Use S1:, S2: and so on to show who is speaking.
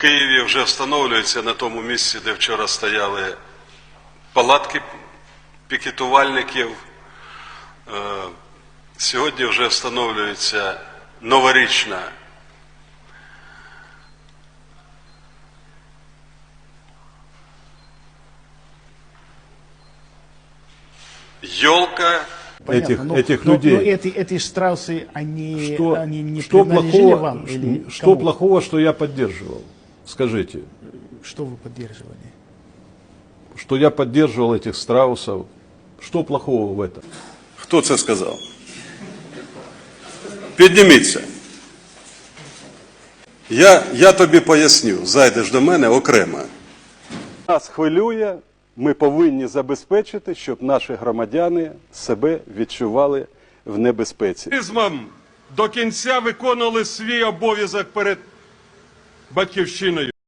S1: Києві вже встановлюється на тому місці, де вчора стояли палатки пікетувальників. Сьогодні вже встановлюється новорічна елка.
S2: Этих людей.
S3: Но эти страусы, они не
S2: Что
S3: принадлежали
S2: плохого,
S3: вам? Или
S2: что
S3: кому?
S2: плохого, что я поддерживал? Скажите.
S3: Что вы поддерживали?
S2: Что я поддерживал этих страусов. Что плохого в этом?
S1: Хто це сказав? Підніміться. Я тобі поясню, зайдеш до мене окремо.
S4: Нас хвилює, ми повинні забезпечити, щоб наші громадяни себе відчували в небезпеці.
S5: До кінця виконували свій обов'язок перед Батьківщиною.